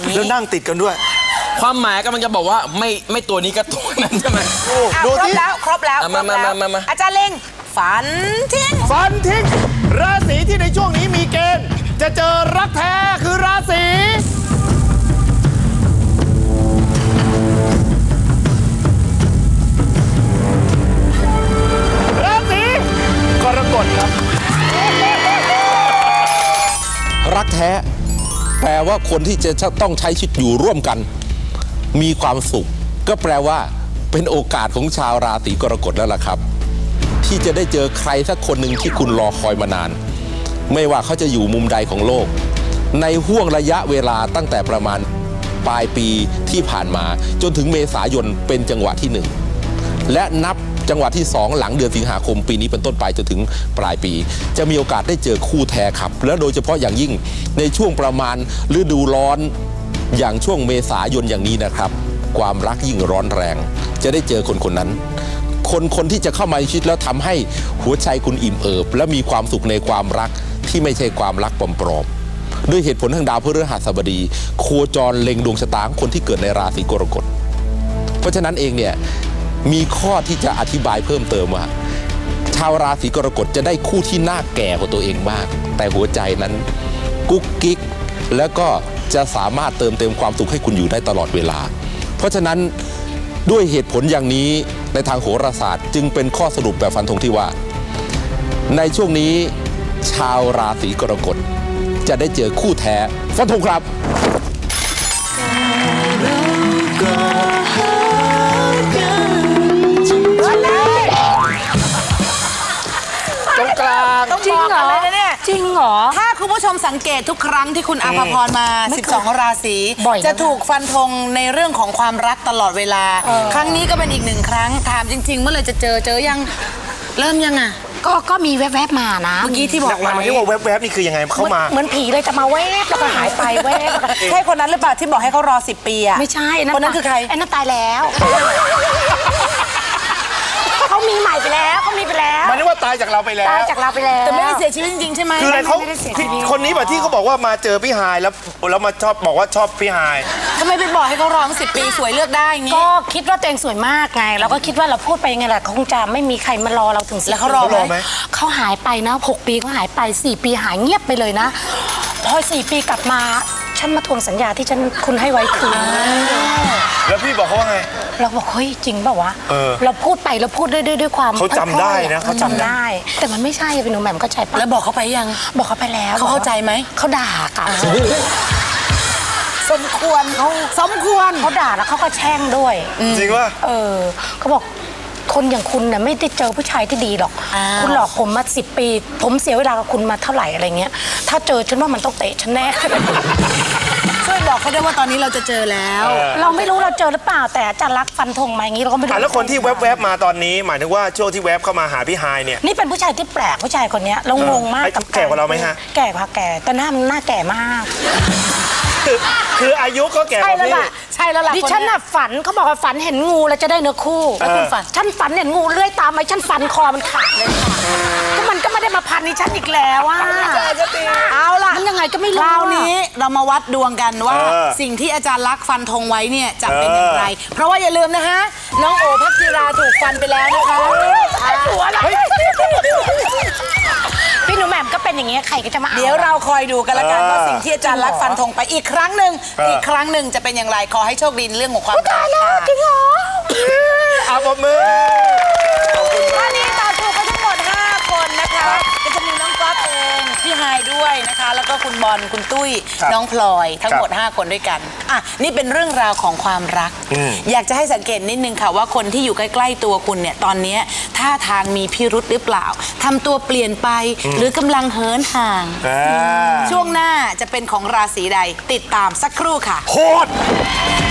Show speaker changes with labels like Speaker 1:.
Speaker 1: แล้วนั่งติดกันด้วย
Speaker 2: ความหมายกำลังจะบอกว่าไม่ตัวนี้ก็ตัวนั้นใช่ไหม
Speaker 1: ดูที่
Speaker 3: ครบแล้ว
Speaker 2: มา
Speaker 3: อาจารย์เล็งฝันทิ้ง
Speaker 1: ราศีที่ในช่วงนี้มีเกณฑ์จะเจอรักแท้คือราศีกรกฎครับ
Speaker 4: รักแท้แปลว่าคนที่จะต้องใช้ชีวิตอยู่ร่วมกันมีความสุขก็แปลว่าเป็นโอกาสของชาวราศีกรกฎแล้วล่ะครับที่จะได้เจอใครสักคนหนึ่งที่คุณรอคอยมานานไม่ว่าเขาจะอยู่มุมใดของโลกในห่วงระยะเวลาตั้งแต่ประมาณปลายปีที่ผ่านมาจนถึงเมษายนเป็นจังหวะที่1และนับจังหวะที่2หลังเดือนสิงหาคมปีนี้เป็นต้นไปจนถึงปลายปีจะมีโอกาสได้เจอคู่แท้ครับแล้วโดยเฉพาะอย่างยิ่งในช่วงประมาณฤดูร้อนอย่างช่วงเมษายนอย่างนี้นะครับความรักยิ่งร้อนแรงจะได้เจอคนนั้นคนที่จะเข้ามาในชีวิตแล้วทำให้หัวใจคุณอิ่มเอิบและมีความสุขในความรักที่ไม่ใช่ความรักปลอมๆด้วยเหตุผลทางดาวพฤหัสบดีโคจรเล็งดวงชะตาของคนที่เกิดในราศีกรกฎเพราะฉะนั้นเองเนี่ยมีข้อที่จะอธิบายเพิ่มเติมว่าชาวราศีกรกฎจะได้คู่ที่น่าแก่กว่าตัวเองมากแต่หัวใจนั้นกุ๊กกิ๊กแล้วก็จะสามารถเติมเต็มความสุขให้คุณอยู่ได้ตลอดเวลาเพราะฉะนั้นด้วยเหตุผลอย่างนี้ในทางโหราศาสตร์จึงเป็นข้อสรุปแบบฟันธงที่ว่าในช่วงนี้ชาวราศีกรกฎจะได้เจอคู่แท้ฟันธงครับ
Speaker 1: ตรงกลาง
Speaker 3: จริงเหรอเนี่ยจริงเหรอถ้าคุณผู้ชมสังเกตทุกครั้งที่คุณอาภพรมา12ราศีจะถูกฟันธงในเรื่องของความรักตลอดเวลาครั้งนี้ก็เป็นอีก1ครั้งถามจริงๆเมื่อไรจะเจอยังเริ่มยังอ่ะ
Speaker 5: ก็มีแวบๆมานะ
Speaker 3: เมื่อกี้ที่บอก
Speaker 1: หมายที่ว่าแวบๆนี่คือยังไงเข้ามา
Speaker 5: เหมือนผีเลยจะมาแวบแล้วก็หายไปแวบ
Speaker 3: ใช่คนนั้นหรือเปล่าที่บอกให้เขารอ10 ปีอ่ะ
Speaker 5: ไม่ใช่
Speaker 3: คนนั้นคือใคร
Speaker 5: ไอ้นั่นตายแล้วเขามีใหม่ไปแล้วเขามีไปแล้ว
Speaker 1: มันนึกว่าตายจากเราไปแล้ว
Speaker 3: แต่ไม่ได้เสียชีวิตจริงๆใช่ไหม
Speaker 1: คืออะไรเขาคนนี้แบบที่เขาบอกว่ามาเจอพี่ฮายแล้วมาชอบบอกว่าชอบพี่ฮาย
Speaker 3: ทำไมไปบอกให้เขารอ10 ปีสวยเลือกได้งี้
Speaker 5: ก็คิดว่าตัวเองสวยมากไงเราก็คิดว่าเราพูดไปยังไงแหละคงจะไม่มีใครมารอเราถึง
Speaker 3: แล้วเขารอไหม
Speaker 5: เขาหายไปนะ6 ปีเขาหายไป4 ปีหายเงียบไปเลยนะพอ4 ปีกลับมาฉันมาทวงสัญญาที่คุณให้ไว้คืน
Speaker 1: แล้วพี่บอกเขาว่าไง
Speaker 5: เราบอกเฮ้ยจริงเปล่าวะเราพูดไปเราพูดด้วยความ
Speaker 1: เขาจำได้นะเขาจำได้
Speaker 5: แต่มันไม่ใช่เป็นหนูแหม่มเข้าใจปะ
Speaker 3: แล้วบอกเขาไปยัง
Speaker 5: บอกเขาไปแล้ว
Speaker 3: เขาเข้าใจไหม
Speaker 5: เขาด่ากัน
Speaker 3: สมควร
Speaker 5: เขาด่าแล้วเขาก็แช่งด้วย
Speaker 1: จริงว่า
Speaker 5: เขาบอกคนอย่างคุณเนี่ยไม่ได้เจอผู้ชายที่ดีหรอกคุณหลอกผมมา10 ปีผมเสียเวลากับคุณมาเท่าไหร่อะไรเงี้ยถ้าเจอฉันว่ามันต้องเตะฉันแน่
Speaker 3: ช่วยบอกเขาได้ว่าตอนนี้เราจะเจอแล้ว
Speaker 5: เราไม่รู้เราเจอหรือเปล่าแต่จะรักฟันธงมาอย่างนี้เราก็ไม่รู้
Speaker 1: แล้วคนที่แวบๆมาตอนนี้หมายถึงว่าช่วงที่แวบเข้ามาหาพี่ฮายเนี่ย
Speaker 5: นี่เป็นผู้ชายที่แปลกผู้ชายคนนี้เรางงมาก
Speaker 1: กับแก่กว่าเราไหมฮะ
Speaker 5: แก่กว่าแก่แต่หน้ามันหน้าแก่มาก
Speaker 1: คืออายุก็แก่กว่าพี่
Speaker 5: ใช่แล้วล่ะดิฉันน่ะฝันเขาบอกว่าฝันเห็นงูแล้วจะได้เนื้อคู่
Speaker 3: แล้วคุณฝัน
Speaker 5: ฉันฝันเห็นงูเลื้อยตามไปฉันฝันคอมันขาดเลยค่ะก็มันก็ไม่ได้มาพันดิฉันอีกแล้วอ่ะ
Speaker 3: เอาล่ะ
Speaker 5: มันยังไงก็ไม่รู้
Speaker 3: คราวนี้เรามาวัดดวงกันว่าสิ่งที่อาจารย์ลักษณ์ฟันธงไว้เนี่ยจะเป็นอย่างไรเพราะว่าอย่าลืมนะฮะน้องโอภักจิราถูกฟันไปแล้วนะคะ
Speaker 5: พี่หนูแหม่มก็เป็นอย่างเงี้ยใครก็จะมา
Speaker 3: เดี๋ยวเราคอยดูกันละกันว่าสิ่งที่อาจารย์ลักษณ์ฟันธงไปอีกครั้งหนึ่งจะเป็นอย่างไรขอให้โชคดีเรื่องของความรัก
Speaker 5: จริงเหรอ
Speaker 1: เอาปมือ
Speaker 3: ตอนนี้ตอบถูกไปทั้งหมด5 คนนะคะก็จะมีน้องก๊อฟเองพี่ฮายด้วยนะคะแล้วก็คุณบอลคุณตุ้ยน้องพลอยทั้งหมด5 คนด้วยกันนี่เป็นเรื่องราวของความรักอยากจะให้สังเกตนิดนึงค่ะว่าคนที่อยู่ใกล้ๆตัวคุณเนี่ยตอนนี้ท่าทางมีพิรุธหรือเปล่าทำตัวเปลี่ยนไปหรือกำลังเหินห่างช่วงหน้าจะเป็นของราศีใดติดตามสักครู่ค่ะ
Speaker 1: โคตร